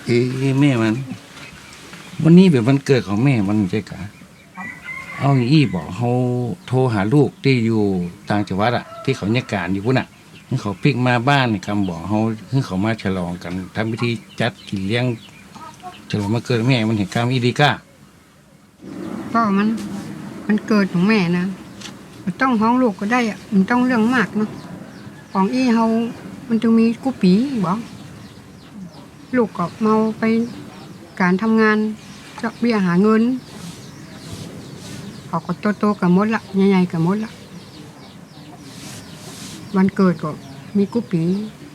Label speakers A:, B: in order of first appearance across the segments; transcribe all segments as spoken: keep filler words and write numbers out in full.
A: เอ้แม่มันวันนี้แบบวันเกิดของแม่มันใช่กะเอาอย่างอี้บอกเขาโทรหาลูกที่อยู่ต่างจังหวัดอะที่เขาเนี่ยการอยู่พุ่นอะให้เขาพลิกมาบ้านคำบอกเขาให้เขามาฉลองกันทำพิธีจัดกินเลี้ยงฉลองมาเกิดแม่มันเห็นการอีดีก้า
B: ก็มันมันเกิดของแม่นะมันต้องห้องลูกก็ได้อะมันต้องเรื่องมากเนาะของอี้เฮามันจะมีกุปีบอกลูกก็เมาไปการทำงานจะเบี้ยหาเงินเขาก็โตๆกับมดละใหญ่ๆกับมดละวันเกิดก็มีกุปี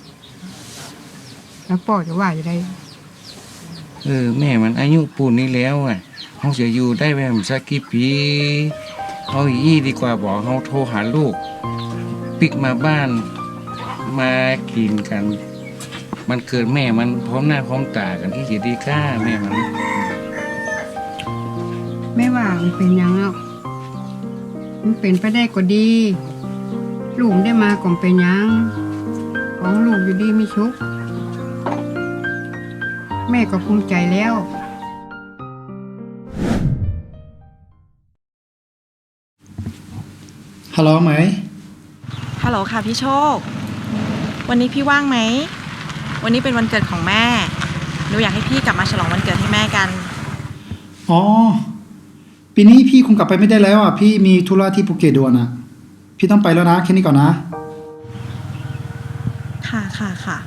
B: แล้วพ่อจะว่าอย่างไร
A: เออแม่มันอายุปูนนี้แล้วอ่ะเขาจะอยู่ได้แบบสักกี่ปีเอาอีดีกว่าบอกเขาโทรหาลูกปิกมาบ้านมากินกันมันเกิดแม่มันพร้อมหน้าพร้อมตากันที่เสียดีก้าแม่มัน
B: ไม่ว่ามันเป็นยังอ่ะมันเป็นไปได้ก็ดีลูกได้มาก่อนเป็นยังของลูกอยู่ดีมีชุกแม่ก็ภูมิใจแล้ว
C: ฮัลโหลไหม
D: ฮัลโหลค่ะพี่โชควันนี้พี่ว่างไหมวันนี้เป็นวันเกิดของแม่หนูอยากให้พี่กลับมาฉลองวันเกิดให้แม่กัน
C: อ๋อปีนี้พี่คงกลับไปไม่ได้แล้วอ่ะพี่มีธุระที่ภูเก็ตด่วนอ่ะพี่ต้องไปแล้วนะแค่นี้ก่อนนะ
D: ค่ะค่ะค่ะ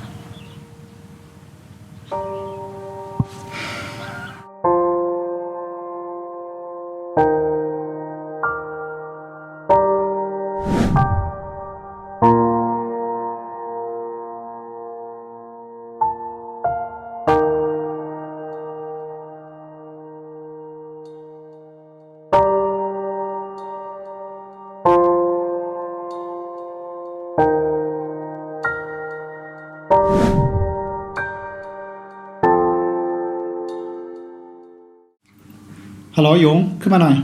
C: ฮัลโหลหยงขึ้นมาหน่อย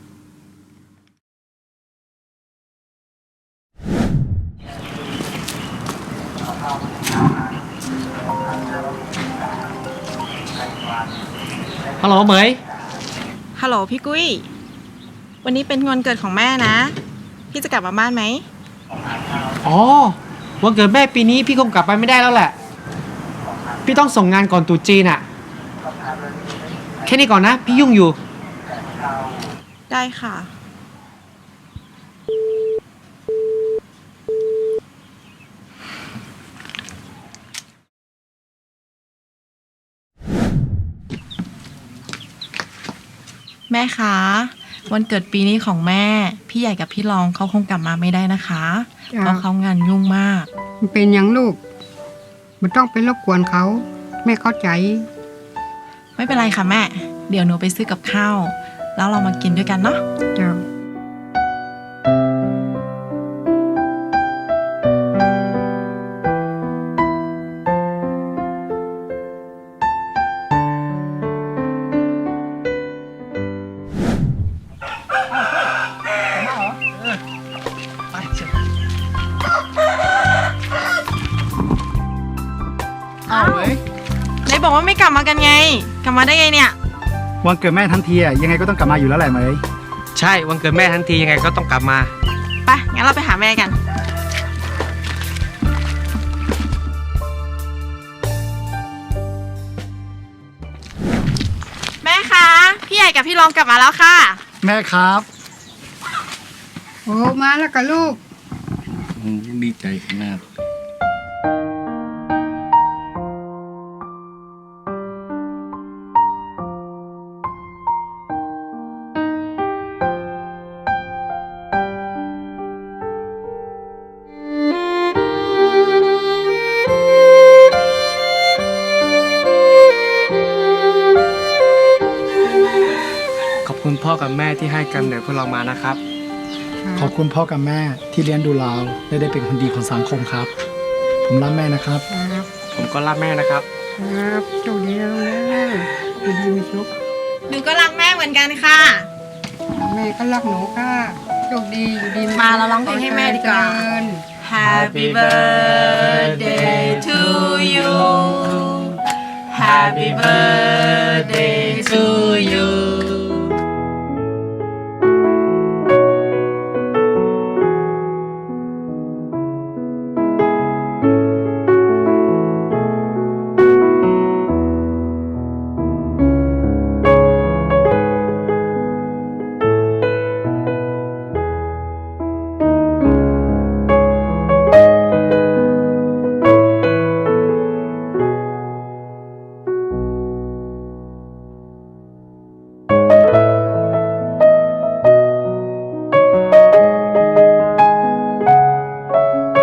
E: ฮัลโหลเหมย
D: ฮัลโหลพี่กุ้ยวันนี้เป็นวันเกิดของแม่นะพี่จะกลับมาบ้านไหม
E: อ๋อวันเกิดแม่ปีนี้พี่คงกลับไปไม่ได้แล้วแหละพี่ต้องส่งงานก่อนตรุษจีนอะแค่นี้ก่อนนะพี่ยุ่งอยู่
D: ได้ค่ะแม่คะวันเกิดปีนี้ของแม่พี่ใหญ่กับพี่รองเขาคงกลับมาไม่ได้นะคะเพราะเขางานยุ่งมาก
B: มันเป็นยังลูกมันต้องไปรบกวนเขาแม่เข้าใจ
D: ไม่เป็นไรค่ะแม่เดี๋ยวหนูไปซื้อกับข้าวแล้วเรามากินด้วยกันเนาะ
B: เจ้า
C: อ้าวเหมย
D: ไหนบอกว่าไม่กลับมากันไงกลับมาได้ไงเนี่ย
C: วันเกิดแม่ทั้งทีอ่ะยังไงก็ต้องกลับมาอยู่แล้วแหละเหมย
E: ใช่วันเกิดแม่ทั้งทียังไงก็ต้องกลับมา
D: ไปงั้นเราไปหาแม่กันแม่คะพี่ใหญ่กับพี่รองกลับมาแล้วค่ะ
C: แม่ครับ
B: โอ้มาแล้วกับลูก
A: ดีใจขนาด
E: ขอบคุณพ่อกับแม่ที่ให้กำเนิดพวกเรามานะครับ
C: ขอบคุณพ่อกับแม่ที่เลี้ยงดูเราและได้เป็นคนดีของสังคมครับผมรักแม่นะครับ
E: ผมก็รักแม่นะครับ
B: ครับโชคดีนะลูกนะดีมีชุก
D: หนูก็รักแม่เหมือนกันค่ะ
B: แม่ก็รักหนูค่ะโชคดีอยู่ดี
D: มาเราร้องเพลงให้แม่ดีกว่า Happy birthday to you
E: Happy birthday to you